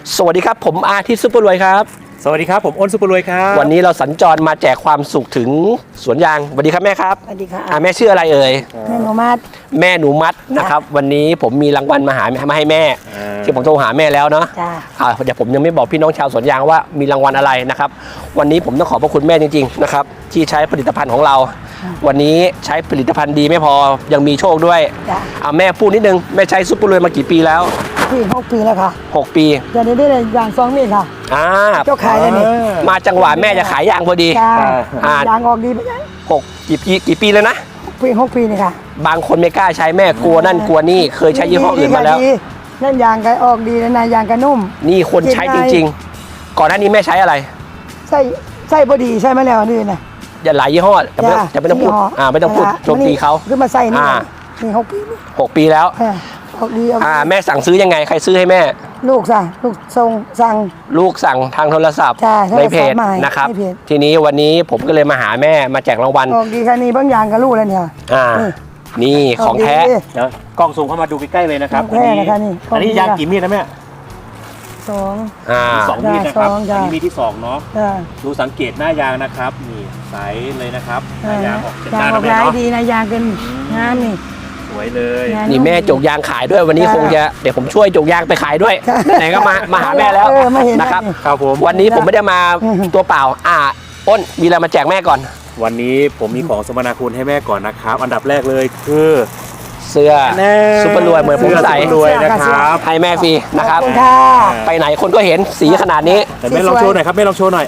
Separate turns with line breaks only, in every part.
สวัสดีครับผมอาทิตย์ซุปเปอร์รวยครับ
สวัสดีครับผมอ้นซุปเปอร์รวยครับ
วันนี้เราสัญจรมาแจกความสุขถึงสวนยางสวัสดีครับแม่ครับ
สวัสดีค่ะ
แม่ชื่ออะไรเอ่ย
แม่หนูมัด
แม่หนูมัดนะครับวันนี้ผมมีรางวัลมาให้แม่ที่ผมโทรหาแม่แล้วเนาะเดี๋ยวผมยังไม่บอกพี่น้องชาวสวนยางว่ามีรางวัลอะไรนะครับวันนี้ผมต้องขอบพระคุณแม่จริงๆนะครับที่ใช้ผลิตภัณฑ์ของเราวันนี้ใช้ผลิตภัณฑ์ดีไม่พอยังมีโชคด้วยแม่พูดนิดนึงแม่ใช้ซุปเปอร์รวยมากี่ปีแล้ว
6 ปีแล้วค่ะ
6 ปี
เดี๋ยวนี้ได้อย่าง2 มีดค่ะเจ้าขายแล้วนี่
มาจังหวะแม่จะขายยางพอดี
ยางออกดีไปยัง
กี่ปีแล้วนะ
6 ปีนี่ค่ะ
บางคนไม่กล้าใช้แม่กลัวนั่นกลัวนี่เคยใช้ยี่ห้ออื่นมาแล้ว
นั่นยางก็ออกดีนะยางก็นุ่ม
นี่คนใช้จริงๆก่อนหน้านี้แม่ใช้อะไร
ใส่บอดีใช่ไหมแล้วนี่นะ
อย่าหลายยี่ห้อจะไม่ต้องพูดไม่ต้องพูดโจมตีเขา
ขึ้นมาใส่นี่6
ปีแล้ว
ออกดี
แม่สั่งซื้อยังไงใครซื้อให้แม่
ลูกสั่ง
ลูกสั่งทางโทรศัพท์ในเพจนะครับทีนี้วันนี้ผมก็เลยมาหาแม่มาแจกรางวัล
ออกดีค่ะนี่บางอย่างกับลูกแล้วเนี่ย
นี่ของแท้
เดี๋ยวกล้องซูมเข้ามาดูใกล้ๆเลยนะครับอันนี้ยางกี่มีดนะแม่2 มีดนะครับอันนี้มีที่2เนาะดูสังเกตหน้ายางนะครับนี่ใสเลยนะครับหน้ายางออก
ยางออกลายดีนะยางเป็นงามนี่
สวยเลย
นี่แม่จกยางขายด้วยวันนี้คงจะเดี๋ยวผมช่วยจกยางไปขายด้วยไหนก็มาหาแม่แล้วนะครับ
ผม
วันนี้ผมไม่ได้มาตัวเปล่าอ้นมีอะไรมาแจกแม่ก่อน
วันนี้ผมมีของสมนาคุณให้แม่ก่อนนะครับอันดับแรกเลยคือ
เสื้อซุปเปอร์รวยเหมือนผมใส่
รวยนะครับ
ให้แม่ฟรีนะครับไปไหนคนก็เห็นสีขนาดนี้
แต่แม่ลองโชว์หน่อยครับแม่ลองโชว์หน่อย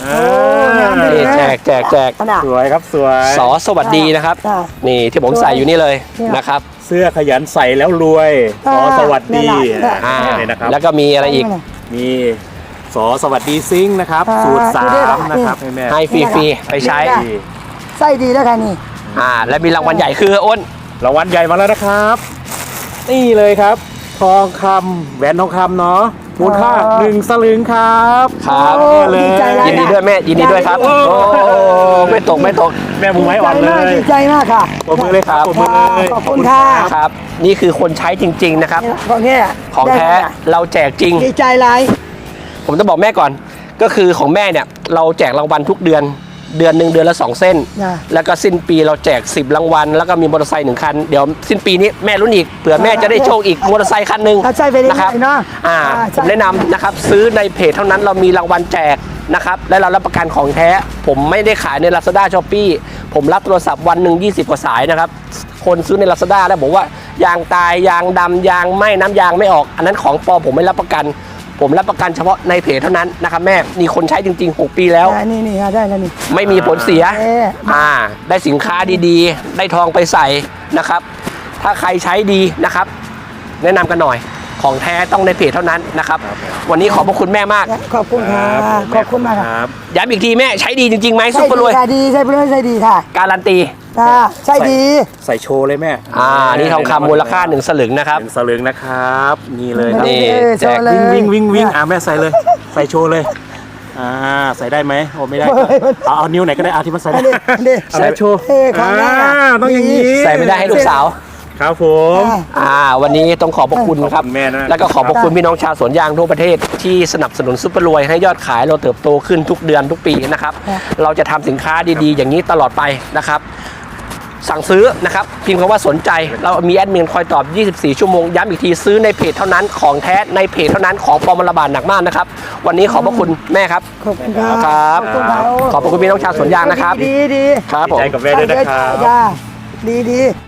แจก
สวยครับสวย
สวัสดีนะครับนี่ที่ผมใส่อยู่นี่เลยนะครับ
เสื้อขยันใส่แล้วรวยสวัสดี
นะครับแล้วก็มีอะไรอีก
มีสวัสดีซิงนะครับสูตร3นะครับให้แม่
ให้ฟรีไปใช้
ใส่ดีแล้วค่ะนี่
และมีรางวัลใหญ่คืออ้น
รางวัลใหญ่มาแล้วนะครับนี่เลยครับทองคำแหวนทองคำเนาะมูลค่า1 สลึงครับ
เลยยินดีด้วยแม่ยินดีด้วยครับโอ้ไม่ตก
แม่มือไม้อ่อนเลย
ดีใจมากค่ะ
ปรบมือเลยครับ
ขอบคุณค่ะ
ครับนี่คือคนใช้จริงๆนะครับของแท้เราแจกจริง
ดีใจไร
ผมต้องบอกแม่ก่อนก็คือของแม่เนี่ยเราแจกรางวัลทุกเดือนเดือนละ2 เส้นแล้วก็สิ้นปีเราแจก10 รางวัลแล้วก็มีมอเตอร์ไซค์1 คันเดี๋ยวสิ้นปีนี้แม่รุ่นอีกเผื่อแม่จะได้โชคอีกมอเตอร์ไซค์คันหนึ่ง
นะครับ
ผมแนะนำนะครับซื้อในเพจเท่านั้นเรามีรางวัลแจกนะครับและเรารับประกันของแท้ผมไม่ได้ขายใน Lazada Shopee ผมรับโทรศัพท์วันหนึ่ง20 กว่าสายนะครับคนซื้อใน Lazada แล้วบอกว่ายางตายยางดำยางไหม้น้ำยางไม่ออกอันนั้นของปลอมผมไม่รับประกันผมรับประกันเฉพาะในเพจเท่านั้นนะครับแม่มีคนใช้จริงๆ6 ปีแล้ว
นี่ได้แล้วนี่
ไม่มีผลเสียได้สินค้าดีๆได้ทองไปใส่นะครับถ้าใครใช้ดีนะครับแนะนำกันหน่อยของแท้ต้องในเพจเท่านั้นนะครับวันนี้ขอบพระคุณแม่มาก
ขอบคุณค่ะขอบคุณมากครับ
ย้ำอีกทีแม่ใช้ดีจริงๆไหมซุปเปอร์รวย
ดีใช้ไปเลยใช้ดีค่ะ
การันตี
ใช่ดี
ใส่โชว์เลยแม่
นี่ทองคำมูลค่า1 สลึงนะครับ
1 สลึงนะครับนี่เลย
นี่
แจกวิ่งแม่ใส่เลยใส่โชว์เลยใส่ได้ไหมโอ้ไม่ได้เอานิ้วไหนก็ได้ที่มันใส่ได้ใส่โชว์ต้องอย่างนี้
ใส่ไม่ได้ให้ลูกสาว
ครับผม
วันนี้ต้องขอบพระคุณครับแล้วก็ขอบพระคุณพี่น้องชาวสวนยางทั่วประเทศที่สนับสนุนซุปเปอร์รวยให้ยอดขายเราเติบโตขึ้นทุกเดือนทุกปีนะครับเราจะทำสินค้าดีๆอย่างนี้ตลอดไปนะครับสั่งซื้อนะครับพิมพ์คำว่าสนใจเรามีแอดมินคอยตอบ24 ชั่วโมงย้ำอีกทีซื้อในเพจเท่านั้นของแท้ในเพจเท่านั้นของปลอมระบาดหนักมากนะครับวันนี้ขอบพระคุณแม่ครับ
ขอบคุณครับ
ขอบพระคุณพี่น้องชาวสวนยางนะครับ
ดี
ครับผม
ใจกับแม่ด้วยนะครับ
ดี